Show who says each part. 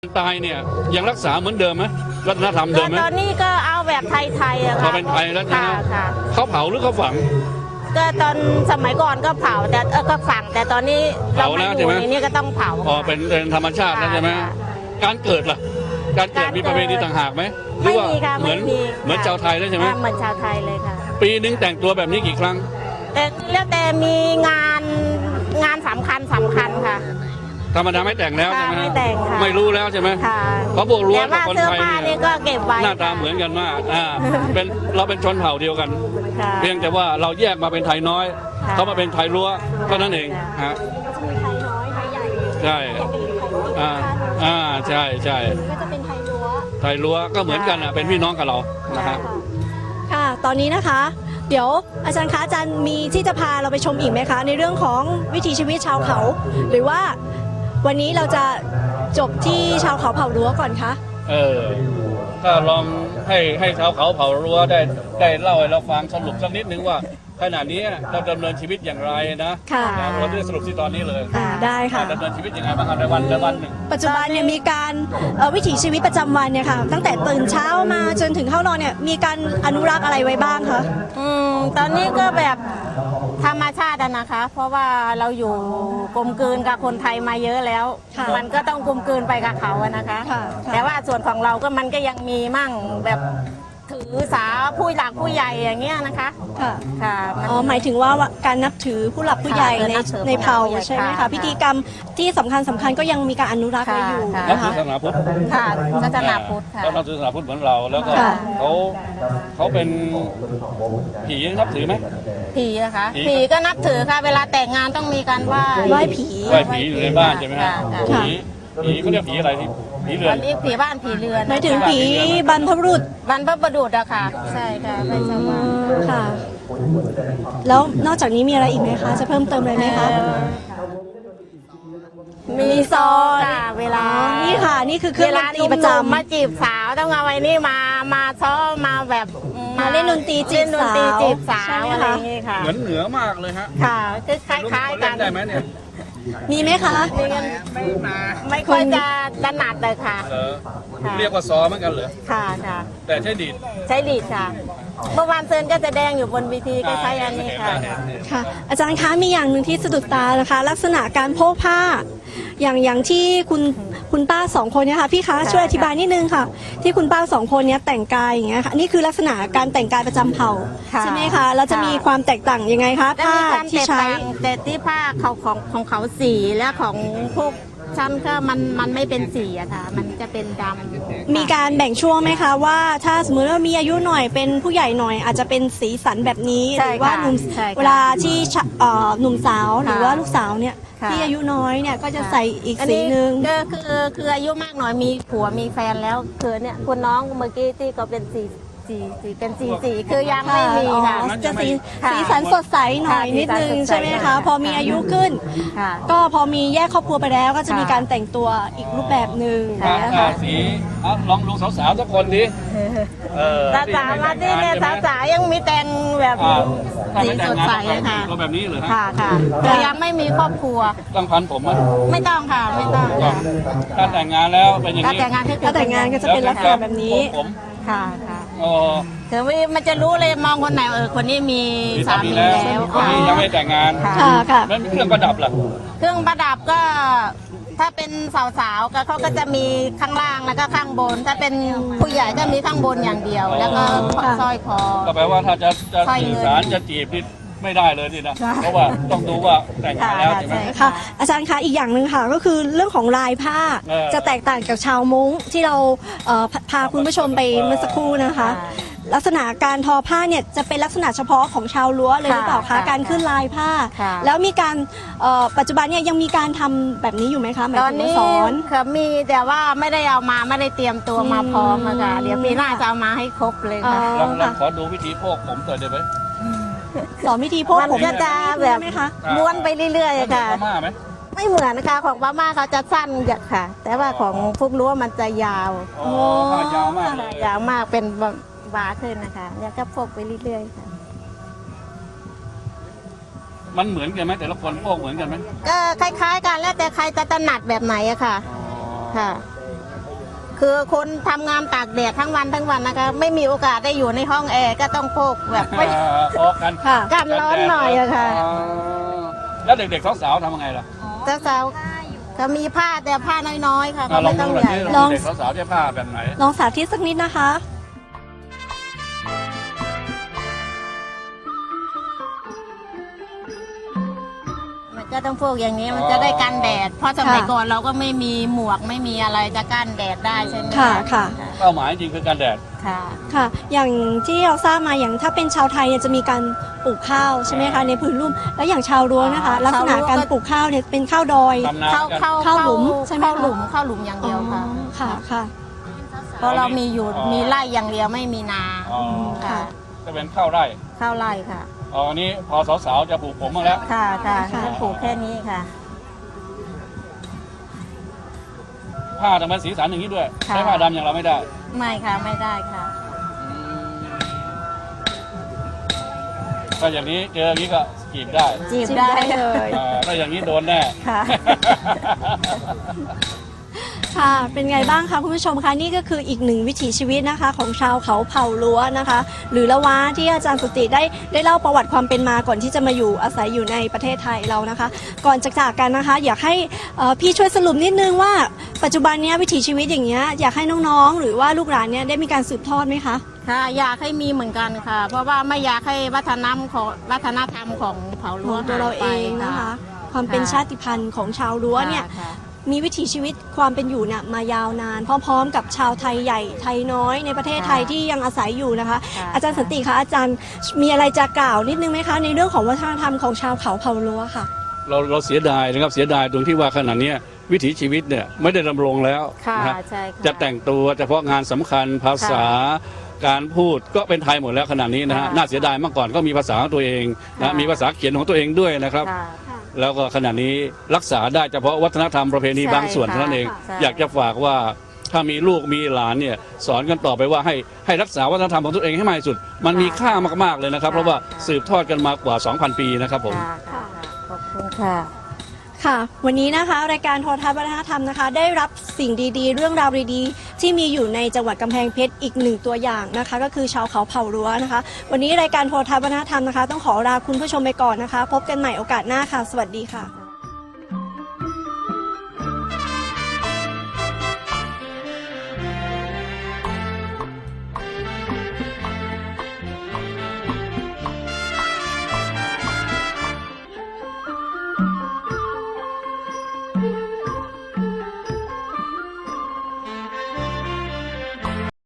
Speaker 1: ตายเนี่ยยังรักษาเหมือนเดิมไหมวัฒนธรรมเดิมไหม
Speaker 2: ตอนนี้ก็เอาแบบไทยๆอะค่ะ
Speaker 1: พอเป็นไทยแล้วนะเขาเผาหรือเขาฝัง
Speaker 2: ก็ตอนสมัยก่อนก็เผาแต่ก็ฝังแต่ตอนนี้เราไม่อยู่ในนี้ก็ต้องเผา
Speaker 1: อ๋อเป็นธรรมชาติแล้วใช่ไหมการเกิดล่ะการเกิดมีประเพณีต่างหากไหมหรือว่าเหมือนชาวไทยแล้วใช่ไหม
Speaker 2: เหมือนชาวไทยเลยค่ะ
Speaker 1: ปีนึงแต่งตัวแบบนี้กี่ครั้ง
Speaker 2: แต่แล้วแต่มีงานสำคัญค่ะ
Speaker 1: ธรรมดาไม่แต่งแล้วใช่ไหม
Speaker 2: ไม่แต่งค่ะ
Speaker 1: ไม่รู้แล้วใช่ไหมเพราะพวกรั้วกับคนไทย
Speaker 2: เนี่ยก็เก็บไว้
Speaker 1: หน้าตาเหมือนกันมากเราเป็นชนเผ่าเดียวกันเพียงแต่ว่าเราแยกมาเป็นไทยน้อยเขามาเป็นไทยรั้วเท่านั้นเองฮะ
Speaker 3: ไทยน้อยไทยใหญ่
Speaker 1: ใช่ใช่ใช่
Speaker 3: ก็จะเป็นไทยรั้ว
Speaker 1: ก็เหมือนกันเป็นพี่น้องกับเรานะครับ
Speaker 3: ค่ะตอนนี้นะคะเดี๋ยวอาจารย์คะอาจารย์มีที่จะพาเราไปชมอีกไหมคะในเรื่องของวิถีชีวิตชาวเขาหรือว่าวันนี้เราจะจบที่ชาวเขาเผ่ารั้วก่อนคะ
Speaker 1: ถ้าลองให้ชาวเขาเผ่ารั้วได้เล่าให้เราฟังสรุปสักนิดนึงว่าขณะนี้เราดำเนินชีวิตอย่างไรนะเราจะสรุปที่ตอนนี้เลย
Speaker 3: ได้ค่ะ
Speaker 1: ดำเนินชีวิตยังไงบ้างในวันหนึ่ง
Speaker 3: ปัจจุบันเนี่ยมีการวิถีชีวิตประจำวันเนี่ยค่ะตั้งแต่ตื่นเช้ามาจนถึงเข้านอนเนี่ยมีการอนุรักษ์อะไรไว้บ้างคะ
Speaker 2: ตอนนี้ก็แบบธรรมชาตินะคะเพราะว่าเราอยู่กลมกลืนกับคนไทยมาเยอะแล้วมันก็ต้องกลมกลืนไปกับเขาอะนะคะแต่ว่าส่วนของเราก็มันก็ยังมีมั่งแบบถือสาผู้หลักผู้ใหญ่อย่างเงี้ยนะคะ
Speaker 3: ค่ะหมายถึงว่าการนับถือผู้หลักผู้ใหญ่ในเผ่าใช่ไหมคะพิธีกรรมที่สำคัญก็ยังมีการอนุรักษ์ไว้อยู่
Speaker 1: นะคะศาสนาพุทธ
Speaker 2: ค่ะศาสนาพุทธค่ะ
Speaker 1: นับถือศาสนาพุทธเหมือนเราแล้วก็เขาเป็นผีนับถือไหม
Speaker 2: ผีอะคะผีก็นับถือค่ะเวลาแต่งงานต้องมีการไหว้ผี
Speaker 1: อยู่ในบ้านใช่ไหมฮะผีเขาเรียกผีอะไรที่ผีเรือน
Speaker 2: ผีบ้านผีเรือน
Speaker 3: หมายถึงผีบรรพบุรุษ
Speaker 2: อะค่ะใช่ค่ะไม่ใช่ว่า
Speaker 3: ค่ะแล้วนอกจากนี้มีอะไรอีกไหมคะจะเพิ่มเติมอะไรไหมคะ
Speaker 2: มีซอเวลา
Speaker 3: นี่ค่ะนี่คือเครื่องดนตรีประจำ
Speaker 2: มาจีบสาวต้องเอาไว้นี่มาซ้อมมาแบบ
Speaker 3: มาเล่นดนตรีจีบสาว
Speaker 2: อะไรอย่างนี้ค่ะ
Speaker 1: เหนือมากเลยฮะ
Speaker 2: ค่ะคล้ายๆกัน
Speaker 1: ได้ไหมเนี่ย
Speaker 3: มีไหมคะ
Speaker 2: ไม่ค่อยจะถนัดเลยค่ะ
Speaker 1: เรียกว่าซอเหมือนกันเหรอ
Speaker 2: ค่ะ
Speaker 1: แต่ใช้ดีด
Speaker 2: ค่ะเมื่อวานเซินก็จะแดงอยู่บนเวทีก็ใช้อันนี้ค่ะ
Speaker 3: อาจารย์คะมีอย่างหนึ่งที่สะดุดตานะคะลักษณะการโพกผ้าอย่างที่คุณป้าสองคนเนี่ยค่ะพี่คะช่วยอธิบายนิดนึงค่ะที่คุณป้าสองคนเนี้ยแต่งกายอย่างเงี้ยค่ะนี่คือลักษณะการแต่งกายประจำเผ่าใช่ไหมคะแล้วจะมีความแตกต่างยังไงคะผ้าที่ใช้
Speaker 2: แต่ที่ผ้าของเขาสีและของพวกชั้นก็มันไม่เป็นสีอะค่ะมันจะเป็นดำ
Speaker 3: มีการแบ่งช่วงไหมคะว่าถ้าสมมติว่ามีอายุหน่อยเป็นผู้ใหญ่หน่อยอาจจะเป็นสีสันแบบนี้หรือว่าเวลาที่หนุ่มสาวหรือว่าลูกสาวเนี่ยที่อายุน้อยเนี่ยก็จะใส่อีกสีหนึ่ง
Speaker 2: ก็คืออายุมากหน่อยมีผัวมีแฟนแล้วคือเนี่ยคุณน้องเมื่อกี้ที่ก็เป็นสีคือยังไม่มีค่ะ
Speaker 3: จะสีสันสดใสหน่อยนิดนึงใช่ไหมคะพอมีอายุขึ้นก็พอมีแยกครอบครัวไปแล้วก็จะมีการแต่งตัวอีกรูปแบบหนึ่ง
Speaker 1: นะคะสีลองดูสาวๆสักคนดิ
Speaker 2: สาวมาที่เนี่ยสาวยังมีแต่งแบบสีสดใสค่ะ
Speaker 1: ตัวแบบนี้เหรอ
Speaker 2: ค่ะแต่ยังไม่มีครอบครัว
Speaker 1: ต้องพันผมไหม
Speaker 2: ไม่ต้องค่ะไม่ต้อง
Speaker 1: ถ้าแต่งงานแล้วเป็นอย่างนี้
Speaker 3: ถ้าแต่งงานก็จะเป็นลักษณะแบบนี้
Speaker 2: ค่ะแต่ว่ามันจะรู้เลยมองคนไหนคนนี้มีสามีแล้ว
Speaker 1: คนนี้ยังไม่แต่งงาน
Speaker 3: ค่ะ
Speaker 1: แล้วเครื่องประดับล่ะ
Speaker 2: เครื่องประดับก็ถ้าเป็นสาวๆก็เขาก็จะมีข้างล่างแล้วก็ข้างบนถ้าเป็นผู้ใหญ่ก็มีข้างบนอย่างเดียวแล้วก็สร้อยคอ
Speaker 1: ก็แปลว่าถ้าจะสื่อสารจะจีบนี่ไม่ได้เลยนี่นะเพราะว่าต้องดูว่าแต่งงานแล้วใช่ไหม
Speaker 3: ค่ะอาจารย์คะอีกอย่างหนึ่งค่ะก็คือเรื่องของลายผ้าจะแตกต่างจากชาวม้งที่เราพาคุณผู้ชมไปเมื่อสักครู่นะคะลักษณะการทอผ้าเนี่ยจะเป็นลักษณะเฉพาะของชาวรั้วเลยหรือเปล่าคะการขึ้นลายผ้าแล้วมีการปัจจุบันเนี่ยยังมีการทำแบบนี้อยู่ไหมคะ
Speaker 2: ตอนนี้มีแต่ว่าไม่ได้เอามาไม่ได้เตรียมตัวมาพร้อมค่ะเดี๋ยวปีหน้าจะเอามาให้ครบเลยค่ะ
Speaker 1: ลองขอดูวิธีโพกผมต่อได้ไหม
Speaker 3: สอนวิธีโพกผม
Speaker 2: ก็จะแบบม้วนไปเรื่อยๆค่ะไม่เหมือนนะคะของพม่าเขาจะสั้นค่ะแต่ว่าของพวกรั้วมันจะยาวยาวมากเป็นบาขึ้นนะคะเนี่ยก็พกไปเรื่อยๆค่ะ
Speaker 1: มันเหมือนกันไหมแต่ละคนโพกเหมือนกันไหม
Speaker 2: ก็คล้ายๆกันแล้วแต่ใครจะถนัดแบบไหนอะค่ะคือคนทำงานตากแดดทั้งวันนะคะไม่มีโอกาสได้อยู่ในห้องแอร์ก็ต้องพกแบบไม่
Speaker 1: ออกกัน
Speaker 3: ค่ะ
Speaker 2: กันร้อนหน่อยอะค่ะ
Speaker 1: อ๋อแล้วเด็กๆสาวๆทำยังไงล่ะ
Speaker 2: สาวๆก็มีผ้าแต่ผ้าน้อยๆค่ะก็
Speaker 1: ลอ
Speaker 2: ไม่
Speaker 1: ง
Speaker 2: ต้
Speaker 1: ดู
Speaker 2: อง
Speaker 1: หน่อย
Speaker 2: ใหญ่
Speaker 1: สิ
Speaker 3: ลอง
Speaker 1: เด็กๆสาวๆจะผ้าแบบไหน
Speaker 3: ลองสาธิตสักนิดนะคะ
Speaker 2: มันก็ต้องพวกอย่างนี้มันจะได้กันแดด เพราะสมัยก่อนเราก็ไม่มีหมวกไม่มีอะไรจะกั้นแดดได้ใช่ไหม
Speaker 3: ค่ะค่ะ
Speaker 1: เป้าหมายจริงคือการแดด
Speaker 2: ค่ะ
Speaker 3: ค่ะ อย่างที่เราทราบมาอย่างถ้าเป็นชาวไทยเนี่ยจะมีการปลูกข้าวใช่ไหมคะในพื้นลุ่มแล้วอย่างชาวรั้วนะคะ ลักษณะการปลูกข้าวเนี่ยเป็นข้าวดอย
Speaker 1: ทำนา
Speaker 2: เข้า
Speaker 1: กัน
Speaker 3: เข้าหลุมใช่ไหมคะ
Speaker 2: เข้าหลุมอย่างเดียวค่ะ
Speaker 3: ค่ะค่ะ
Speaker 2: เพราะเรามีอยู่มีไร่อย่างเดียวไม่มีนา
Speaker 1: อ๋อ
Speaker 2: ค่ะ
Speaker 1: จะเป็นข้าวไร่
Speaker 2: ข้าวไร่ค่ะ
Speaker 1: อ๋ออันนี้พอสาวๆจะปลูกผมบ้างแล้ว
Speaker 2: ค่ะค่ะ
Speaker 3: ค่ะ
Speaker 2: ก็ปลูกแค่นี้ค่ะ
Speaker 1: ผ้าทำไมสีสันอย่างนี้ด้วย
Speaker 2: ค่ะ
Speaker 1: ใช้ผ้าดำอย่างเราไม่ได้
Speaker 2: ไม่ค่ะไม่ได้ค่ะ
Speaker 1: ก็อย่างนี้เจออย่างนี้ก็จีบได้
Speaker 2: จีบได้
Speaker 3: เลย
Speaker 1: ถ้าอย่างนี้โดนแน่
Speaker 2: ค่ะ
Speaker 3: ค่ะ เป็นไงบ้างคะคุณผู้ชมคะนี่ก็คืออีกหนึ่งวิถีชีวิตนะคะ ของชาวเขาเผ่ารั้วนะคะ หรือละวะที่อาจารย์สุติได้เล่าประวัติความเป็นมาก่อนที่จะมาอยู่อาศัยอยู่ในประเทศไทยเรานะคะ ก่อนจะจากกันนะคะ อยากให้พี่ช่วยสรุปนิดนึงว่าปัจจุบันเนี้ยวิถีชีวิตอย่างเงี้ยอยากให้น้องๆ หรือว่าลูกหลานเนี่ยได้มีการสืบทอดไหมคะ
Speaker 2: ค่ะอยากให้มีเหมือนกันค่ะ เพราะว่าไม่อยากให้วัฒนธรรมของเผ่า
Speaker 3: ข
Speaker 2: รั้
Speaker 3: อ
Speaker 2: ว
Speaker 3: งตัวเราเองนะคะ ความเป็นชาติพันธุ์ของชาวรั้วเนี่ย
Speaker 2: ค่ะ
Speaker 3: มีวิถีชีวิตความเป็นอยู่เนี่ยมายาวนาน พร้อมๆ กับชาวไทยใหญ่ไทยน้อยในประเทศไทยที่ยังอาศัยอยู่นะคะ
Speaker 2: ค่ะ
Speaker 3: อาจารย์สันติคะอาจารย์มีอะไรจะกล่าวนิดนึงไหมคะในเรื่องของวัฒนธรรมของชาวเขาเผ่ารั้วค่ะ
Speaker 1: เราเสียดายนะครับเสียดายตรงที่ว่าขณะเนี้ยวิถีชีวิตเนี่ยไม่ได้ดำรงแล้ว
Speaker 2: ค่ะ
Speaker 1: นะฮะ
Speaker 2: ใช่ค่ะ
Speaker 1: จะแต่งตัวเฉพาะงานสำคัญภาษาการพูดก็เป็นไทยหมดแล้วขณะนี้นะฮะ
Speaker 2: ค่ะ
Speaker 1: น่าเสียดายเมื่อก่อนก็มีภาษาของตัวเองนะ
Speaker 2: ค่ะ
Speaker 1: มีภาษาเขียนของตัวเองด้วยนะครับ
Speaker 2: ค่ะ
Speaker 1: แล้วก็ขณะนี้รักษาได้เฉพาะวัฒนธรรมประเพณี
Speaker 2: ใช่
Speaker 1: บางส่วน
Speaker 2: ค่ะ
Speaker 1: เท่านั้นเอง
Speaker 2: ใช่
Speaker 1: อยากจะฝากว่าถ้ามีลูกมีหลานเนี่ยสอนกันต่อไปว่าให้รักษาวัฒนธรรมของตัวเองให้มากที่สุด มันมีค่ามากๆเลยนะครับ เพราะว่าสืบทอดกันมากว่า 2,000 ปีนะครับผม
Speaker 2: ค่ะขอบคุณค่ะ
Speaker 3: ค่ะ วันนี้นะคะรายการโทรทัศน์วัฒนธรรมนะคะ ได้รับสิ่งดีๆ เรื่องราวดีๆที่มีอยู่ในจังหวัดกำแพงเพชรอีกหนึ่งตัวอย่างนะคะ ก็คือชาวเขาเผ่ารั้วนะคะ วันนี้รายการโทรทัศน์วัฒนธรรมนะคะ ต้องขอลาคุณผู้ชมไปก่อนนะคะ พบกันใหม่โอกาสหน้าค่ะ สวัสดีค่ะ